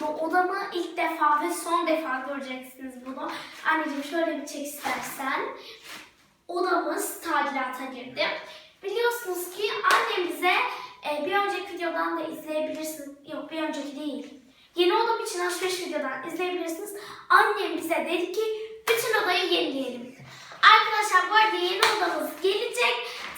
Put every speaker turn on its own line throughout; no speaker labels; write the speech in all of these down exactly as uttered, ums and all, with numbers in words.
gibi odamı ilk defa ve son defa göreceksiniz bunu. Anneciğim şöyle bir çek istersen. Odamız tadilata girdi. Biliyorsunuz ki annem bize e, bir önceki videodan da izleyebilirsiniz. Yok, bir önceki değil. Yeni odam için alışveriş videodan izleyebilirsiniz. Annem bize dedi ki bütün odayı yenileyelim. Arkadaşlar bu arada yeni odamız gelecek.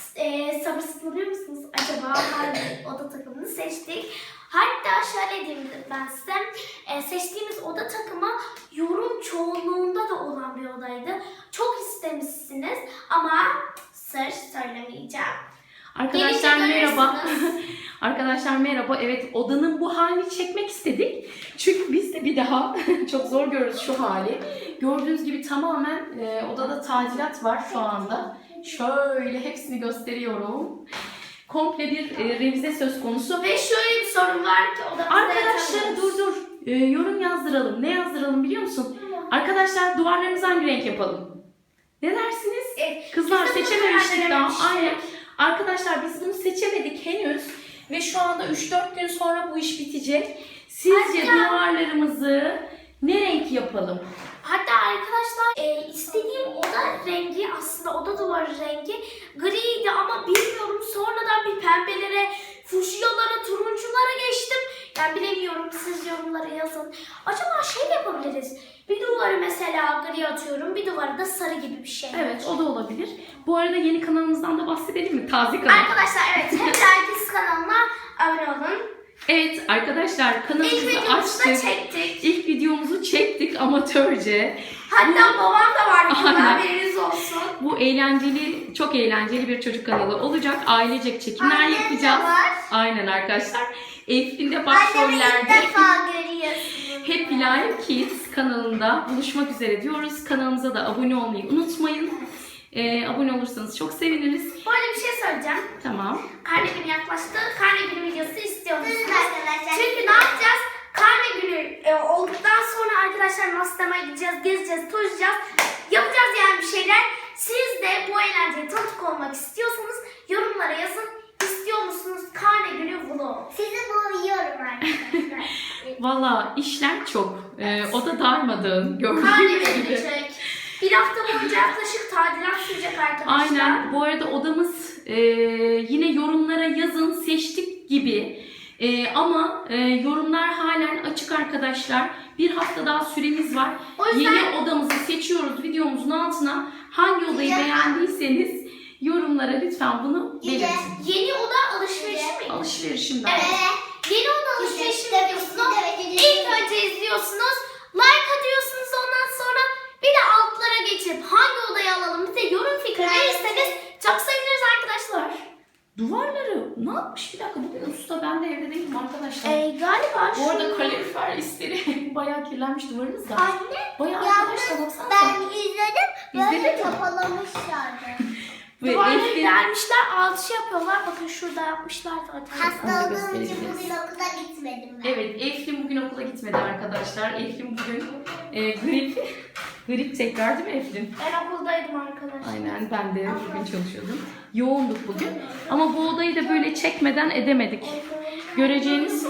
E, sabırsızlanıyor musunuz? Acaba hangi oda takımını seçtik? Hatta şöyle diyeyim ben size. E, seçtiğimiz oda takımı yorum çoğunluğunda da olan bir odaydı. Çok istemişsiniz ama sır söylemeyeceğim.
Arkadaşlar merhaba. Arkadaşlar merhaba. Evet, odanın bu halini çekmek istedik. Çünkü biz de bir daha çok zor görürüz şu hali. Gördüğünüz gibi tamamen e, odada tadilat var şu anda. Şöyle hepsini gösteriyorum. Komple bir e, revize söz konusu.
Ve şöyle bir sorun var ki odamızda
Arkadaşlar dur dur. E, yorum yazdıralım. Ne yazdıralım biliyor musun? Arkadaşlar duvarlarımızı hangi renk yapalım? Ne dersiniz?
Evet,
Kızlar
biz de bunu
seçememiştik
karar
daha.
vermiştik.
Aynen. Arkadaşlar biz bunu seçemedik henüz. Ve şu anda üç dört gün sonra bu iş bitecek. Sizce
Hatta-
duvarlarımızı ne renk yapalım?
Hatta arkadaşlar e, istediğim oda rengi aslında oda duvarı rengi griydi ama bilmiyorum sonradan bir pembelere, fuşyalara, turunculara geçtim. Yani bilemiyorum, siz yorumlara yazın. Acaba şey de yapabiliriz. Bir duvarı mesela gri atıyorum, bir duvarı da sarı gibi bir şey.
Evet, o da olabilir. Bu arada yeni kanalımızdan da bahsedelim mi? Taze kanal.
Arkadaşlar evet, hep herkes kanalına abone olun.
Evet arkadaşlar
İlk
kanalımızı
videomuzu da
açtık.
çektik.
İlk videomuzu çektik amatörce.
Hatta babam da var burada,
Aynen.
haberiniz olsun.
Bu eğlenceli, çok eğlenceli bir çocuk kanalı olacak. Ailecek çekimler
Annem de
yapacağız.
var.
Aynen arkadaşlar. Eflin de
Annemi ilk
başrollerde
defa görüyorsunuz.
Happy Life Kids kanalında buluşmak üzere diyoruz. Kanalımıza da abone olmayı unutmayın. Ee, abone olursanız çok seviniriz.
Bu arada bir şey söyleyeceğim.
Tamam.
Karne günü yaklaştı. Karne günü videosu istiyor musunuz?
arkadaşlar.
Çünkü ne yapacağız? Karne günü e, olduktan sonra arkadaşlar Amsterdam'a gideceğiz, gezeceğiz, tozacağız. Yapacağız yani bir şeyler. Siz de bu eğlenceye tanık olmak istiyorsanız yorumlara yazın. İstiyor musunuz karne günü vlog?
Sizi boğuyorum arkadaşlar.
Valla işler çok. Ee, o da darmadağın.
Karne
Gördüğünüz gibi.
verilecek. Bir hafta boyunca yaklaşık tadilat sürecek arkadaşlar.
Aynen. Bu arada odamız e, yine yorumlara yazın seçtik gibi. E, ama e, yorumlar halen açık arkadaşlar. Bir hafta daha süremiz var.
O yüzden-
Yeni odamızı seçiyoruz videomuzun altına. Hangi odayı
Güzel.
beğendiyseniz yorumlara lütfen bunu
Güzel.
belirtin.
Yeni oda alışverişi mi?
Alışverişimden.
Evet. Yeni oda alışverişi
Güzel.
videosunu
Evet, evet,
ilk
evet.
önce izliyorsunuz. Like atıyorsunuz, ondan sonra bir de altlara geçip hangi odayı alalım bize yorum fikri
Evet.
verirseniz çok seviniriz arkadaşlar.
Duvarları ne yapmış? Bir dakika bugün usta ben de evde değilim arkadaşlar.
Ee, galiba
Bu arada
şu-
kalorifer isleri bayağı kirlenmiş duvarımız da.
Anne,
Bayağı
yalnız
arkadaşlar baksanıza.
ben izledim, böyle
İzledin mi?
kapalamışlardı.
Ve
duvarları
Eflin-
gelmişler, alçı yapıyorlar. Bakın şurada yapmışlar zaten.
Hasta
Onu da
olduğum için
gösterebiliriz.
bugün okula gitmedim ben.
Evet, Eflin bugün okula gitmedi arkadaşlar. Eflin bugün e, grip, grip tekrar değil mi Eflin?
Ben okuldaydım arkadaşlar.
Aynen, ben de bugün çalışıyordum. Yoğunduk bugün. Ama bu odayı da böyle çekmeden edemedik. Göreceğiniz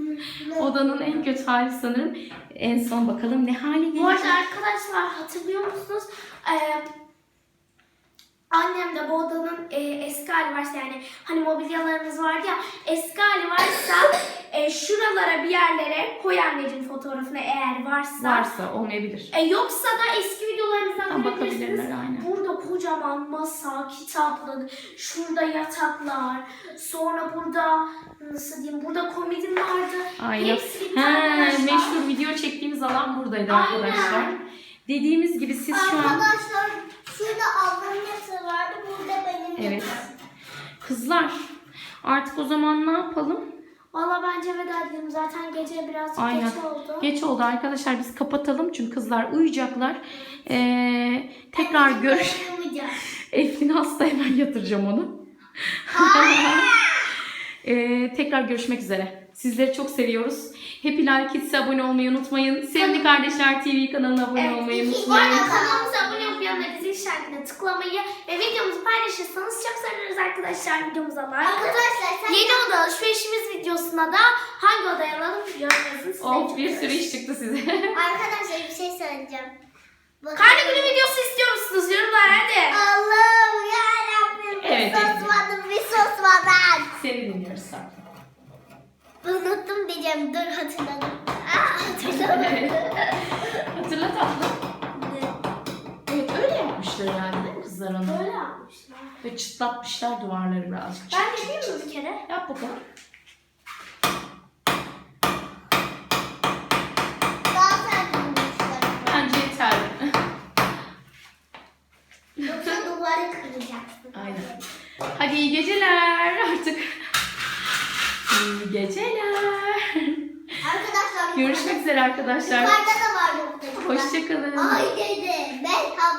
odanın en kötü hali sanırım. En son bakalım ne hali
Bu
gelecek.
arada arkadaşlar hatırlıyor musunuz? Ee, annem de bu odanın e, eski hali varsa, yani hani mobilyalarımız vardı ya, eski hali varsa e, şuralara bir yerlere koy anneciğim fotoğrafını eğer varsa.
Varsa olmayabilir.
E, yoksa da eski videolarımızdan
Tam
görebilirsiniz.
bakabilirler, aynen.
Burada kocaman masa, kitaplık, şurada yataklar, sonra burada nasıl diyeyim, burada komedim vardı.
Aynen.
Hepsi bir
He,
arkadaşlar.
meşhur video çektiğimiz alan buradaydı
Aynen.
arkadaşlar. Dediğimiz gibi siz şu an...
Arkadaşlar, şurada ablamın yatağı vardı, burada benim
Evet.
yatağım.
Kızlar artık o zaman ne yapalım?
Valla bence veda edelim. Zaten gece birazcık
Aynen.
geç oldu.
Geç oldu arkadaşlar, biz kapatalım çünkü kızlar uyuyacaklar. Ee, tekrar görüş.
Uyumayacağım.
Eflin hasta, hemen yatıracağım onu. Ee, tekrar görüşmek üzere. Sizleri çok seviyoruz. Happy Life Kids'e abone olmayı unutmayın. Sevgili Kardeşler T V kanalına abone
Evet,
olmayı
iki- Bu
unutmayın.
arada kanalımıza abone olup yanına zil işaretine tıklamayı ve videomuzu paylaşırsanız çok seviniriz arkadaşlar. Videomuza like.
Arkadaşlar sen
Yeni oda alışverişimiz videosuna da hangi odaya alalım yorumlarınızı size
Of bir sürü
bekliyoruz.
iş çıktı size.
arkadaşlar bir şey söyleyeceğim. Bakın.
Karne günü videosu istiyor musunuz? Yorumlar hadi.
Allah'ım yarabbim. Bir
Evet,
susmadım bir susmadan.
Seni dinliyoruz sen.
Unuttum diyeceğim. Dur hatırladım. Aa, hatırlamadım.
Hatırla tatlım. Evet öyle yapmışlar yani değil mi kızlar onu?
Böyle yapmışlar.
Ve çıtlatmışlar duvarları birazcık.
Ben de yapayım mı bir kere?
Yap bakalım.
Daha sen bulmuşlar.
Bence yeter.
Yoksa duvarı kıracaksın.
Aynen. Hadi iyi geceler artık. İyi geceler.
Arkadaşlar
Görüşmek üzere arkadaşlar.
yukarıda da var yoksa.
Hoşçakalın.
Ay dede. Ben